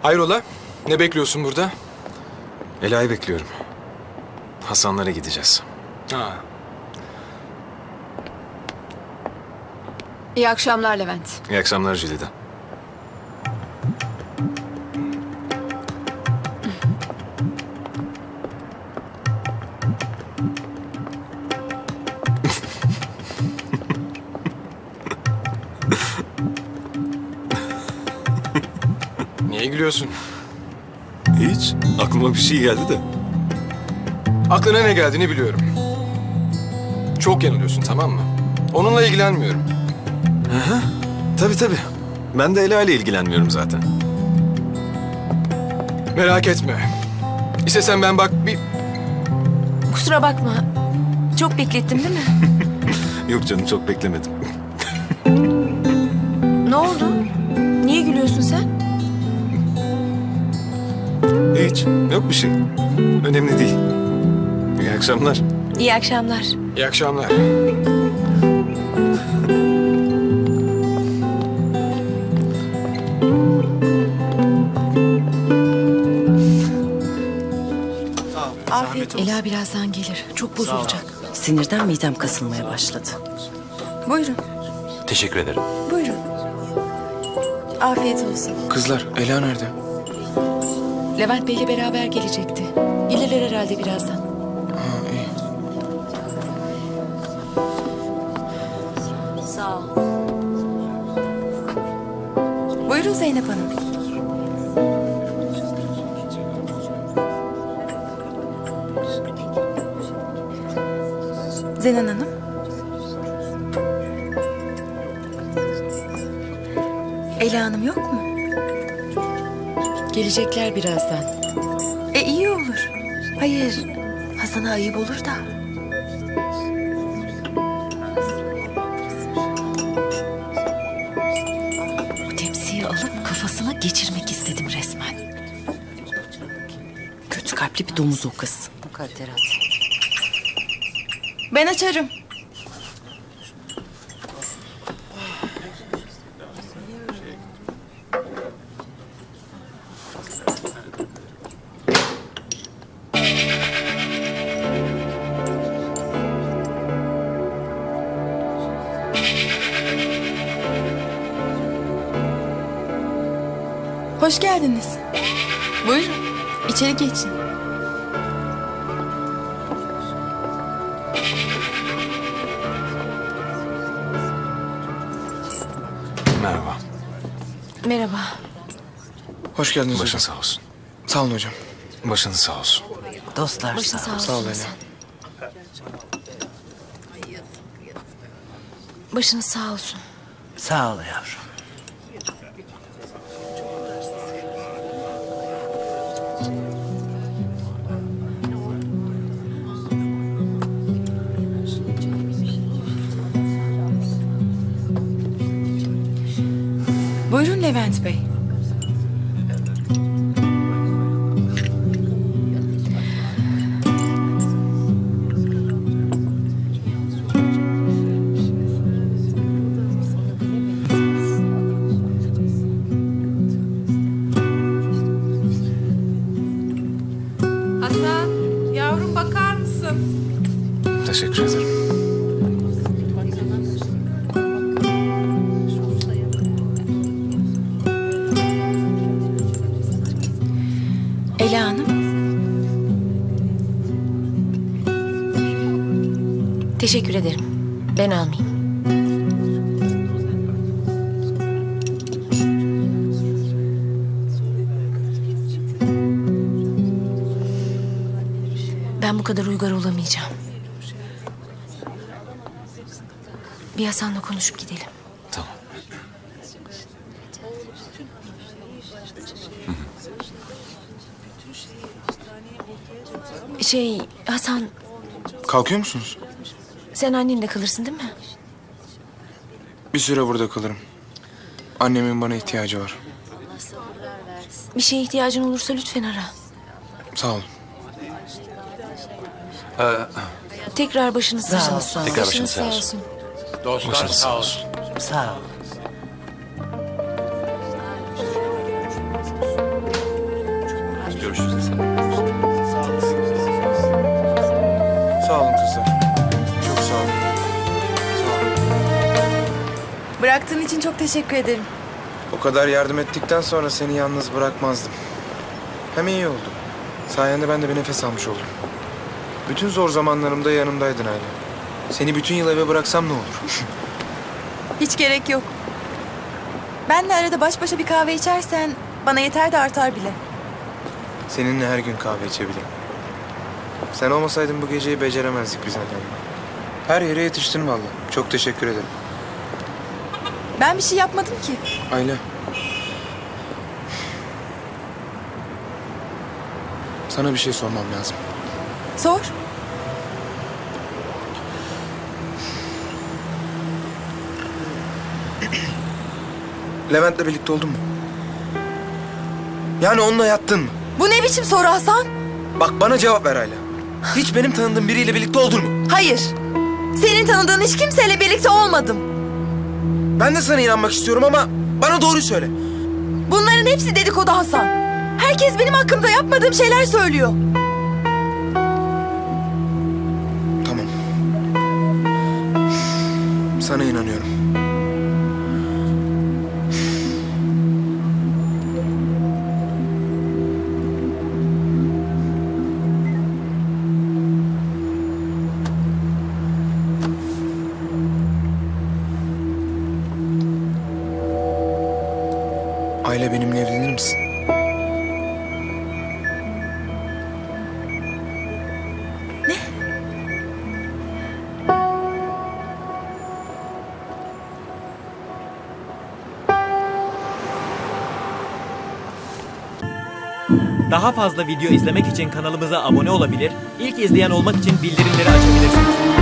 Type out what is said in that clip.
Hayrola? Ne bekliyorsun burada? Ela'yı bekliyorum. Hasanlara gideceğiz. Ha. İyi akşamlar Levent. İyi akşamlar Jülide. Niye gülüyorsun? Hiç. Aklıma bir şey geldi de. Aklına ne geldiğini biliyorum. Çok yanılıyorsun, tamam mı? Onunla ilgilenmiyorum. Tabii. Ben de Ela ile ilgilenmiyorum zaten. Merak etme. İstesen ben bak bir... Kusura bakma. Çok beklettim değil mi? Yok canım, çok beklemedim. Ne oldu? Niye gülüyorsun sen? Hiç. Yok bir şey. Önemli değil. İyi akşamlar. İyi akşamlar. İyi akşamlar. Afiyet olsun. Ela birazdan gelir. Çok bozulacak. Sinirden midem kasılmaya başladı. Buyurun. Teşekkür ederim. Buyurun. Afiyet olsun. Kızlar, Ela nerede? Levent Bey'le beraber gelecekti. Gelirler herhalde birazdan. Ha, iyi. Sağ ol. Buyurun Zeynep Hanım. Zenan Hanım. Ela Hanım yok mu? Gelecekler birazdan. İyi olur. Hayır, Hasan'a ayıp olur da. Bu tepsiyi alıp kafasına geçirmek istedim resmen. Kötü kalpli bir domuz o kız. Mukadderat. Ben açarım. Hoş geldiniz. Buyurun, içeri geçin. Merhaba. Merhaba. Hoş geldiniz Başın hocam. sağ olsun. Sağ olun hocam. Başınız sağ olsun. Dostlar Başın sağ olsun. Sağ ol Ela. Başınız sağ olsun. Sağ ol yavrum. Buyurun Levent Bey. Hasan, yavrum bakar mısın? Teşekkür ederim. Ela Hanım. Teşekkür ederim. Ben almayayım. Ben bu kadar uygar olamayacağım. Bir Hasan'la konuşup gidelim. Tamam. Hasan, Kalkıyor musunuz? sen annenle kalırsın değil mi? Bir süre burada kalırım. Annemin bana ihtiyacı var. Bir şeye ihtiyacın olursa lütfen ara. Sağ olun. Tekrar başınız sağ olsun. Tekrar başınız sağ olsun. Dostlar Başınız sağ sağ olsun. olsun. Sağ ol. Sağ olun kızlar. Çok sağ olun. Sağ olun. Bıraktığın için çok teşekkür ederim. O kadar yardım ettikten sonra seni yalnız bırakmazdım. Hem iyi oldu. Sayende ben de bir nefes almış oldum. Bütün zor zamanlarımda yanımdaydın Ayla. Seni bütün yıl eve bıraksam ne olur? Hiç gerek yok. Benle arada baş başa bir kahve içersen bana yeter de artar bile. Seninle her gün kahve içebilirim. Sen olmasaydın bu geceyi beceremezdik biz Adem'le. Her yere yetiştin vallahi. Çok teşekkür ederim. Ben bir şey yapmadım ki. Ayla. Sana bir şey sormam lazım. Sor. Levent'le birlikte oldun mu? Yani onunla yattın mı? Bu ne biçim soru Hasan? Bak bana cevap ver Ayla. Hiç benim tanıdığım biriyle birlikte oldun mu? Hayır. Senin tanıdığın hiç kimseyle birlikte olmadım. Ben de sana inanmak istiyorum ama bana doğruyu söyle. Bunların hepsi dedikodu Hasan. Herkes benim hakkımda yapmadığım şeyler söylüyor. Tamam. Sana inanıyorum. Ayla benimle evlenir misin? Daha fazla video izlemek için kanalımıza abone olabilir, ilk izleyen olmak için bildirimleri açabilirsiniz.